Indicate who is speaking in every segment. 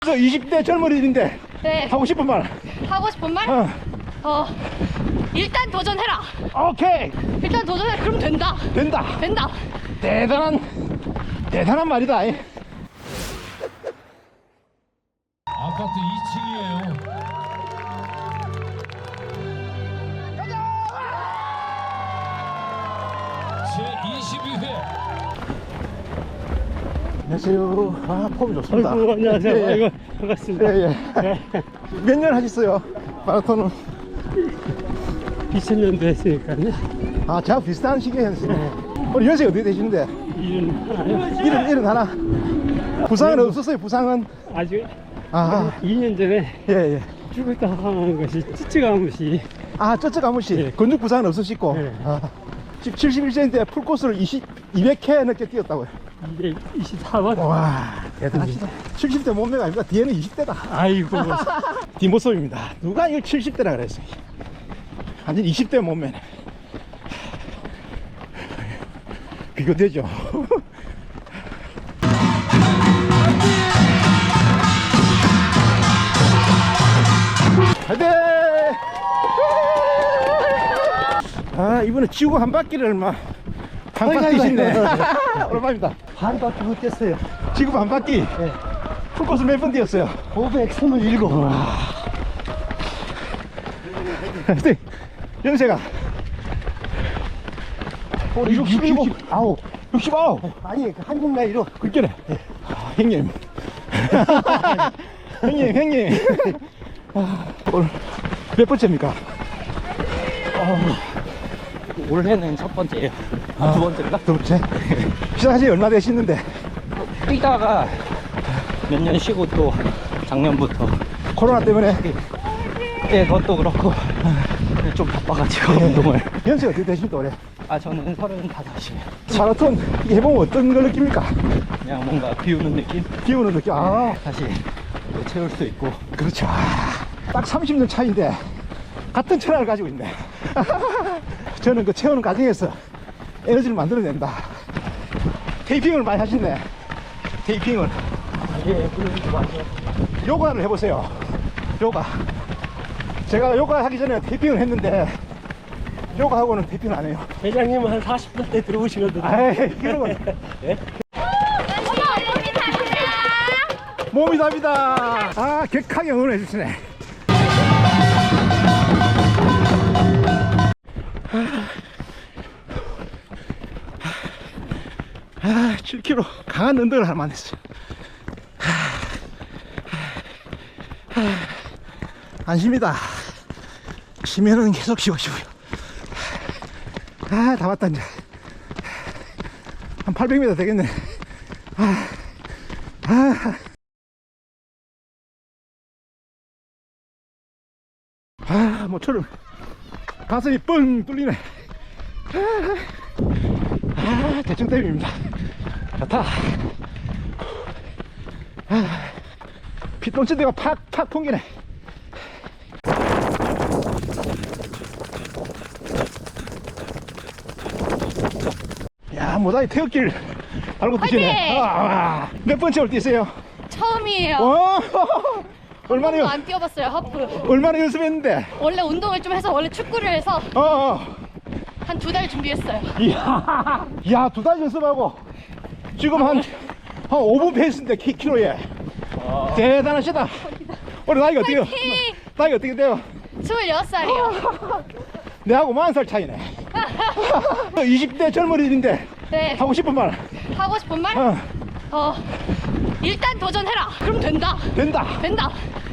Speaker 1: 20대 젊은이인데
Speaker 2: 네.
Speaker 1: 하고 싶은 말.
Speaker 2: 하고 싶은 말? 일단 도전해라.
Speaker 1: 오케이.
Speaker 2: 일단 도전해. 그럼 된다.
Speaker 1: 된다.
Speaker 2: 된다.
Speaker 1: 대단한 말이다.
Speaker 3: 아파트 2층이에요. 제22회
Speaker 1: 안녕하세요. 아, 폼이 좋습니다.
Speaker 4: 아이고, 안녕하세요.
Speaker 1: 예, 예.
Speaker 4: 아이고, 반갑습니다.
Speaker 1: 예, 예. 몇 년 하셨어요? 마라톤은?
Speaker 4: 2000년도 했으니까요.
Speaker 1: 아, 제가 비슷한 시기에 했어요. 우리 연세가 어떻게 되시는데? 일은 하나? 부상은 없었어요, 부상은?
Speaker 4: 아직
Speaker 1: 아,
Speaker 4: 2년 전에
Speaker 1: 예, 예.
Speaker 4: 죽었다 하는 것이 찌찌가무시.
Speaker 1: 아, 저쪽 아무씨.
Speaker 4: 예.
Speaker 1: 근육 부상은 없으시고.
Speaker 4: 예.
Speaker 1: 아, 지금 71세인데 풀코스를 200회 넘게 뛰었다고요.
Speaker 4: 224번.
Speaker 1: 와, 대단하시다. 70대 몸매가 아닙니다. 뒤에는 20대다.
Speaker 4: 아이고.
Speaker 1: 뒷모습입니다. 누가 이걸 70대라 그랬어요. 완전 20대 몸매네. 비교되죠. 화이팅! 아, 이번에 지구 한 바퀴를 막 한바퀴 뛰시네. 오랜만입니다.
Speaker 5: 한 바퀴 못 뛰었어요.
Speaker 1: 지구 한 바퀴.
Speaker 5: 네.
Speaker 1: 풀코스 몇 번 뛰었어요?
Speaker 5: 527.
Speaker 1: 하여튼 연세가 67,
Speaker 5: 69.
Speaker 1: 69.
Speaker 5: 아니, 그 한국 나이로.
Speaker 1: 그렇게래. 아, 형님. 형님. 오늘 몇 번째입니까?
Speaker 6: 올해는 첫 번째예요. 두 번째인가?
Speaker 1: 두 번째. 시작하신 지 얼마 되시는데?
Speaker 6: 뛰다가 몇 년 쉬고 또 작년부터
Speaker 1: 코로나 때문에
Speaker 6: 예, 그것도 그렇고 좀 바빠가지고 운동을.
Speaker 1: 연세가 어떻게 되십니까 올해?
Speaker 6: 아, 저는 35이에요.
Speaker 1: 마라톤 이게 해보면 어떤 걸 느낍니까?
Speaker 6: 그냥 뭔가 비우는 느낌?
Speaker 1: 기운을 느껴. 아,
Speaker 6: 다시 또 채울 수 있고.
Speaker 1: 그렇죠. 딱 30년 차인데 같은 철학을 가지고 있네. 저는 그 채우는 과정에서 에너지를 만들어낸다. 테이핑을 많이 하시네. 테이핑을.
Speaker 6: 예, 그러니까 맞아요.
Speaker 1: 요가를 해보세요. 요가. 제가 요가 하기 전에 테이핑을 했는데 요가하고는 테이핑을 안 해요.
Speaker 4: 회장님은 한 40분 때 들어오시거든요.
Speaker 1: 아이, 이러면 몸이 답니다. 아, 격하게 응원해 주시네. 아, 7km 강한 운동을 할 만했어요. 안심이다. 쉬면은 계속 쉬어주고요. 아, 다 왔다 이제. 한 800m 되겠네. 모처럼 가슴이 뻥 뚫리네. 대충 댐입니다. 좋다. 피똥치대가 팍팍 풍기네. 야, 모다이 태극기를 알고 뛰시네. 몇 번째 올 뛰세요?
Speaker 2: 처음이에요.
Speaker 1: 얼마나
Speaker 2: 안 뛰어봤어요. 하프.
Speaker 1: 얼마나 연습했는데?
Speaker 2: 원래 운동을 좀 해서 원래 축구를 해서 한 2달 준비했어요.
Speaker 1: 이야, 야, 2달 연습하고 지금 한 5분 페이스인데 키로에. 대단하시다. 우리 나이가 어때요?
Speaker 2: 파이팅!
Speaker 1: 나이가 어떻게 돼요?
Speaker 2: 26살이요.
Speaker 1: 내하고 40살 차이네. 20대 젊은이인데
Speaker 2: 네.
Speaker 1: 하고 싶은 말.
Speaker 2: 하고 싶은 말? 일단 도전해라. 그럼 된다.
Speaker 1: 된다.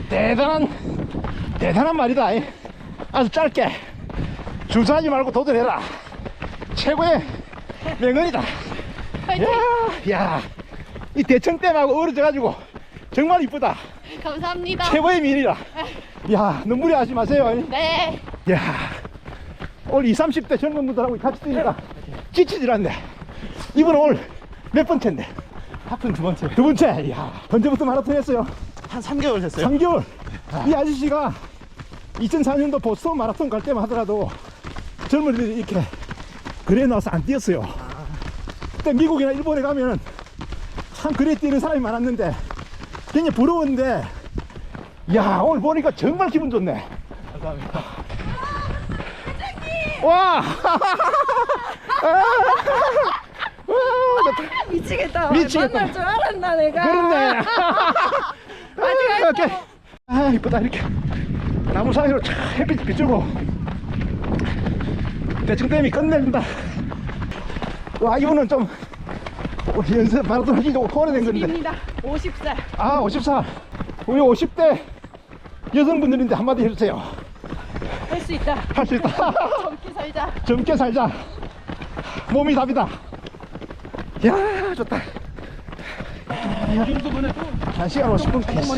Speaker 1: 대단한 말이다. 아주 짧게 주저하지 말고 도전해라. 최고의 명언이다.
Speaker 2: 파이팅!
Speaker 1: 야, 이 대청댐하고 어우러져가지고 정말 이쁘다.
Speaker 2: 감사합니다.
Speaker 1: 최고의 미인이다. 야, 눈물이 하지 마세요.
Speaker 2: 네.
Speaker 1: 야, 오늘 20, 30대 젊은 분들하고 같이 뛰니까 지치질 않네. 이분은 오늘 몇 번째인데?
Speaker 6: 하프는 두 번째.
Speaker 1: 두 번째. 야, 언제부터 마라톤 했어요?
Speaker 6: 한 3개월 됐어요.
Speaker 1: 3개월. 이 아저씨가 2004년도 보스턴 마라톤 갈 때만 하더라도 젊은이들이 이렇게 그래 나와서 안 뛰었어요. 그때 미국이나 일본에 가면 참 그래 뛰는 사람이 많았는데 굉장히 부러운데, 야, 오늘 보니까 정말 기분 좋네.
Speaker 6: 감사합니다.
Speaker 1: 와!
Speaker 2: 미치겠다.
Speaker 1: 미치겠다.
Speaker 2: 만날 줄 알았나 내가.
Speaker 1: 그렇네.
Speaker 2: 아직
Speaker 1: 오케이. 아, 이쁘다. 이렇게 나무 사이로 촥 햇빛 비추고 대청댐이 끝내준다. 와, 이분은 좀 연습 마라톤 하기 좀 오래된 건데.
Speaker 2: 입니다. 50살.
Speaker 1: 아, 54. 우리 50대 여성분들인데 한마디 해주세요.
Speaker 2: 할 수 있다.
Speaker 1: 할 수 있다.
Speaker 2: 젊게 살자.
Speaker 1: 젊게 살자. 몸이 답이다. 야, 좋다. 1시간 50분 페이스.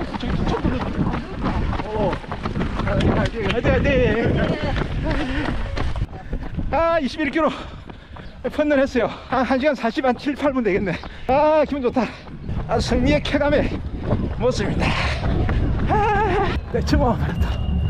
Speaker 1: 아, 21km 펀런했어요. 한 1시간 40한 7, 8분 되겠네. 아, 기분 좋다. 아, 승리의 쾌감의 모습입니다. 아, 내 주먹 말았다.